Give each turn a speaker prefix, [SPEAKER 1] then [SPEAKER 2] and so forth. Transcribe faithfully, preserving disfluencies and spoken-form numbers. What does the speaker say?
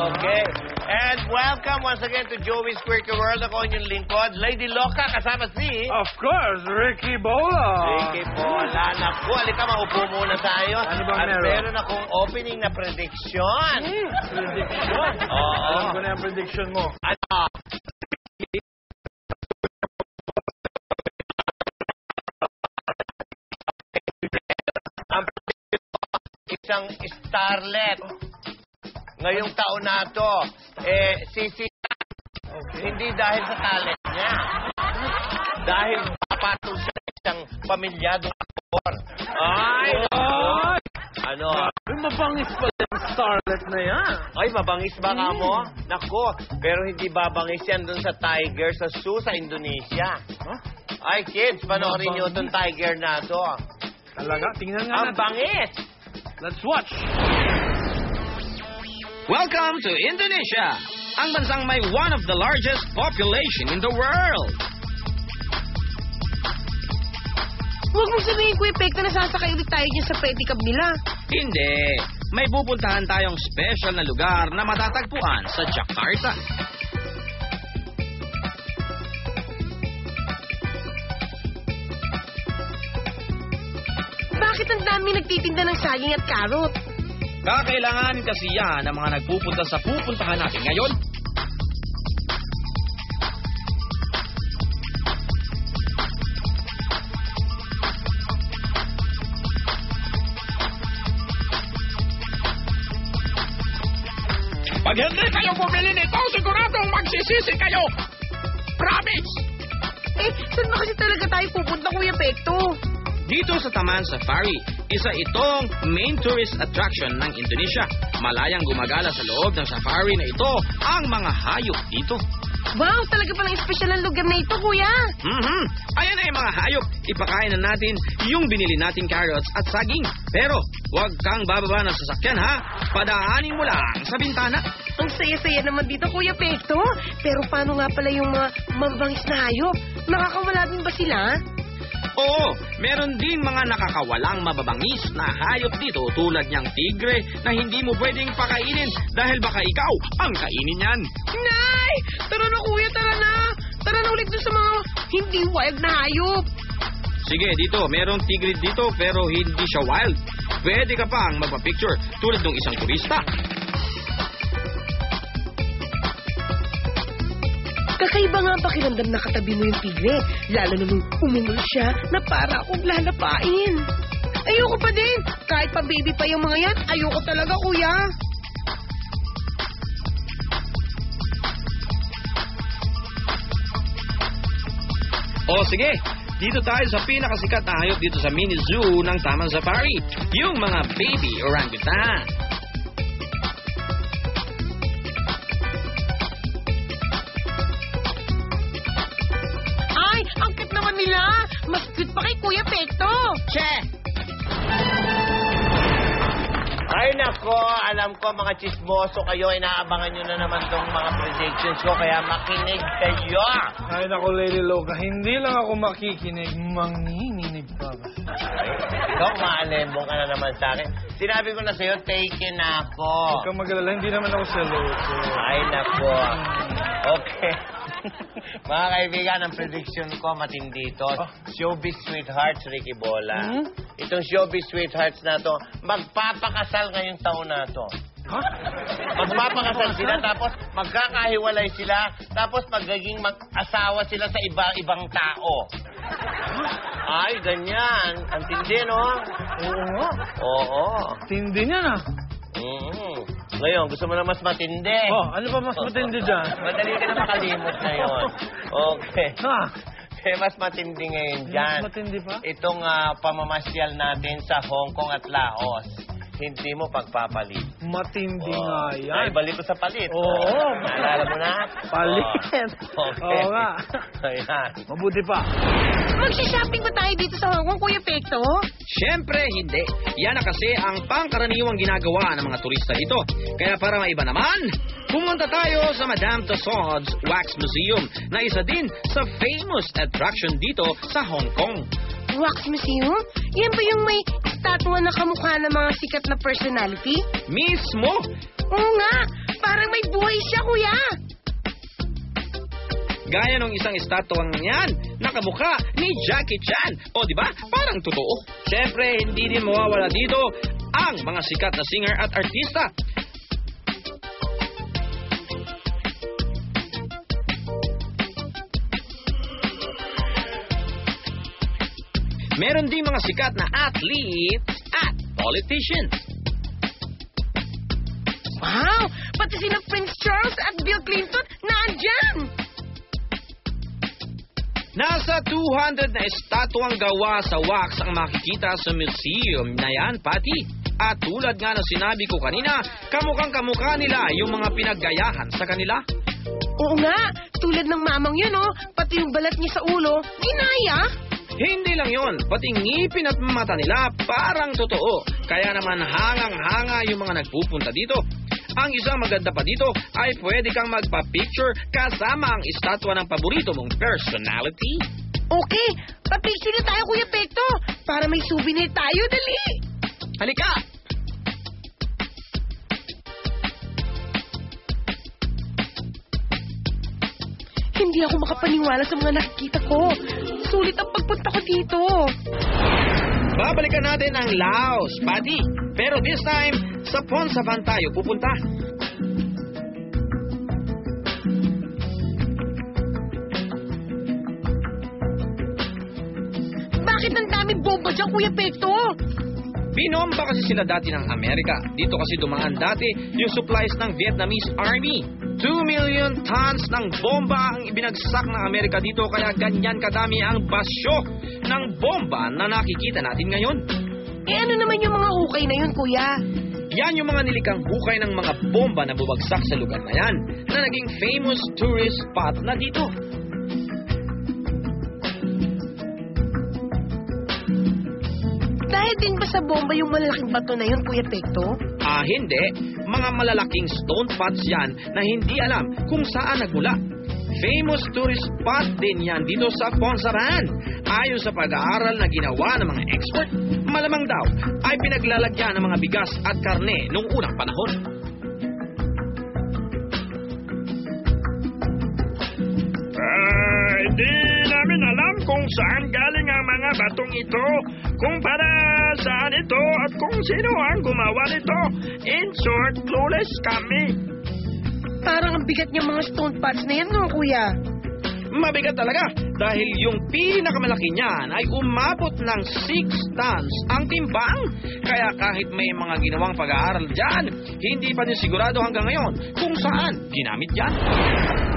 [SPEAKER 1] Okay. And welcome once again to Joey's Quirky World. Ako inyong lingkod, Lady Loca, kasama si...
[SPEAKER 2] Of course, Ricky Bola.
[SPEAKER 1] Ricky Bola. Naku, alika, maupo muna tayo.
[SPEAKER 2] Ano bang
[SPEAKER 1] At
[SPEAKER 2] meron?
[SPEAKER 1] meron akong opening na prediction.
[SPEAKER 2] Hmm, prediction?
[SPEAKER 1] Oo.
[SPEAKER 2] Alam ko na yung prediction mo.
[SPEAKER 1] Ano? Isang starlet ngayong taon na to, eh, sisita. Okay. Hindi dahil sa talent niya. Dahil papatol siya sa isang pamilyadong aktor. Ay!
[SPEAKER 2] Ay!
[SPEAKER 1] Ano?
[SPEAKER 2] Ay, mabangis pala yung starlet na yan.
[SPEAKER 1] Ay, mabangis ba nga mo? Nako, pero hindi babangis yan dun sa tiger sa zoo sa Indonesia.
[SPEAKER 2] Huh?
[SPEAKER 1] Ay, kids, panoorin nyo itong tiger na to.
[SPEAKER 2] Talaga? Tingnan nga
[SPEAKER 1] Ang
[SPEAKER 2] natin.
[SPEAKER 1] bangis!
[SPEAKER 2] Let's watch.
[SPEAKER 3] Welcome to Indonesia, ang bansang may one of the largest population in the world.
[SPEAKER 4] Huwag mong sabihin, Kuya Pek, na nasasakay ulit tayo dyan sa pedicab nila.
[SPEAKER 3] Hindi, may pupuntahan tayong special na lugar na matatagpuan sa Jakarta.
[SPEAKER 4] Bakit ang dami nagtitinda ng saging at karot?
[SPEAKER 3] Kakailanganin kasi yan ng mga nagpupunta sa pupuntahan natin ngayon. Pag hindi kayo bumili nito, siguradong magsisisi kayo. Promise!
[SPEAKER 4] Eh, saan ba kasi talaga tayo pupunta, Kuya Pekto?
[SPEAKER 3] Dito sa Taman Safari, isa itong main tourist attraction ng Indonesia. Malayang gumagala sa loob ng safari na ito ang mga hayop dito.
[SPEAKER 4] Wow, talaga palang espesyal ang lugar na ito, Kuya.
[SPEAKER 3] Mm-hmm. Ayan ay mga hayop. Ipakain na natin yung binili nating carrots at saging. Pero huwag kang bababa ng sasakyan, ha? Padaanin mo lang sa bintana.
[SPEAKER 4] Ang saya-saya naman dito, Kuya Pekto. Pero paano nga pala yung mga mabangis na hayop? Nakakawala din ba sila?
[SPEAKER 3] Oo, meron din mga nakakawalang mababangis na hayop dito tulad niyang tigre na hindi mo pwedeng pakainin dahil baka ikaw ang kainin yan.
[SPEAKER 4] Nay! Tara na, Kuya, tara na! Tara na ulit dun sa mga hindi wild na hayop.
[SPEAKER 3] Sige, dito, merong tigre dito pero hindi siya wild. Pwede ka pang magpa-picture tulad ng isang turista.
[SPEAKER 4] Kakaiba nga ang pakiramdam na katabi mo yung tigre, lalo na nung umungol siya na para akong lalapain. Ayoko pa din. Kahit pa baby pa yung mga yan, ayoko talaga, Kuya.
[SPEAKER 3] O sige, dito tayo sa pinakasikat na hayop dito sa mini zoo ng Taman Safari, yung mga baby orangutan.
[SPEAKER 4] Ay, ang cute naman nila. Mas cute pa kay Kuya Pekto.
[SPEAKER 1] Che! Ay nako, alam ko mga chismoso kayo, inaabangan nyo na naman tong mga predictions ko, kaya makinig kayo.
[SPEAKER 2] Ay, naku, Lady Loca, hindi lang ako makikinig, manginginig pa ba?
[SPEAKER 1] Ay, ikaw, maalembong ka na naman sa akin. Sinabi ko na sa'yo, take na ako.
[SPEAKER 2] Huwag kang mag-alala, hindi naman ako seloso.
[SPEAKER 1] Ay nako. Okay. Mga kaibigan, ang prediction ko matindi ito.
[SPEAKER 2] Oh.
[SPEAKER 1] Showbiz Sweethearts, Ricky Bola.
[SPEAKER 2] Hmm?
[SPEAKER 1] Itong Showbiz Sweethearts na to, magpapakasal ngayong taon na to.
[SPEAKER 2] Ha?
[SPEAKER 1] Magpapakasal sila, tapos magkakahiwalay sila, tapos magiging mag-asawa sila sa iba-ibang tao. Ay, ganyan. Ang tindi, no?
[SPEAKER 2] Oo nga.
[SPEAKER 1] Oo.
[SPEAKER 2] Tindi niya na.
[SPEAKER 1] Mm-hmm. Ngayon, gusto mo na mas matindi.
[SPEAKER 2] Oh, ano pa mas matindi dyan?
[SPEAKER 1] Madali ka na makalimot ngayon. Okay.
[SPEAKER 2] Ha?
[SPEAKER 1] Eh, mas matindi ngayon dyan.
[SPEAKER 2] Mas matindi pa?
[SPEAKER 1] Itong ah, pamamasyal natin sa Hong Kong at Laos. Hindi mo pagpapalit.
[SPEAKER 2] Matindi
[SPEAKER 1] Oh.
[SPEAKER 2] nga yan.
[SPEAKER 1] Ay, balik ko sa palit.
[SPEAKER 2] Oo.
[SPEAKER 1] Naalala mo na?
[SPEAKER 2] Palit.
[SPEAKER 1] Oh. Okay.
[SPEAKER 2] Oo nga.
[SPEAKER 1] Ayan.
[SPEAKER 2] Mabuti pa.
[SPEAKER 4] Magsishopping ba tayo dito sa Hong Kong, Kuya Pekto?
[SPEAKER 3] Siyempre, hindi. Yan na kasi ang pangkaraniwang ginagawa ng mga turista dito. Kaya para maiba naman, pumunta tayo sa Madame Tussauds Wax Museum na isa din sa famous attraction dito sa Hong Kong.
[SPEAKER 4] Wax Museum? Yan ba yung may statua na kamukha ng mga sikat na personality?
[SPEAKER 3] Mismo!
[SPEAKER 4] Oo nga. Parang may buhay siya, kuya.
[SPEAKER 3] Gaya ng isang estatwang yan, nakamukha ni Jackie Chan. O di ba? Parang totoo. Siyempre, hindi din mawawala dito ang mga sikat na singer at artista. Meron din mga sikat na athletes at politicians.
[SPEAKER 4] Wow! Pati sina Prince Charles at Bill Clinton naandyan!
[SPEAKER 3] Nasa two hundred na estatwang gawa sa wax ang makikita sa museum na yan, Pati. At tulad nga na sinabi ko kanina, kamukhang kamukha nila yung mga pinaggayahan sa kanila.
[SPEAKER 4] Oo nga, tulad ng mamang yun, oh. Pati yung balat niya sa ulo, ginaya.
[SPEAKER 3] Hindi lang yon, pati ngipin at mata nila parang totoo. Kaya naman hangang-hanga yung mga nagpupunta dito. Ang isang maganda pa dito ay pwede kang magpa-picture kasama ang estatwa ng paborito mong personality.
[SPEAKER 4] Okay, pa-picture na tayo, Kuya Pekto, para may souvenir tayo, dali.
[SPEAKER 3] Halika!
[SPEAKER 4] Hindi ako makapaniwala sa mga nakikita ko. Sulit ang pagpunta ko dito.
[SPEAKER 3] Babalikan natin ang Laos, Pati. Pero this time, sa Phonsavan tayo pupunta.
[SPEAKER 4] Bakit ang daming bomba dyan, Kuya Pekto?
[SPEAKER 3] Binomba kasi sila dati ng Amerika. Dito kasi dumaan dati yung supplies ng Vietnamese Army. Two million tons ng bomba ang ibinagsak ng Amerika dito, kaya ganyan kadami ang basyo ng bomba na nakikita natin ngayon.
[SPEAKER 4] Eh ano naman yung mga hukay na yun, Kuya?
[SPEAKER 3] Yan yung mga nilikang hukay ng mga bomba na bubagsak sa lugar na yan, na naging famous tourist spot na dito.
[SPEAKER 4] Dahil din ba sa bomba yung malalaking bato na yun, Kuya Pekto?
[SPEAKER 3] Ah, hindi. Mga malalaking stone pots yan na hindi alam kung saan nagmula. Famous tourist spot din yan dito sa Phonsavan. Ayon sa pag-aaral na ginawa ng mga expert, malamang daw ay pinaglalagyan ng mga bigas at karne noong unang panahon.
[SPEAKER 5] Ah, hindi namin alam kung saan galing ang mga batong ito, kung para saan ito, at kung sino ang gumawa nito. In short, clueless kami.
[SPEAKER 4] Parang ang bigat niyang mga stone pots na yan, no, Kuya?
[SPEAKER 3] Mabigat talaga dahil yung pinakamalaki niyan ay umabot ng six tons ang timbang. Kaya kahit may mga ginawang pag-aaral dyan, hindi pa din sigurado hanggang ngayon kung saan ginamit yan.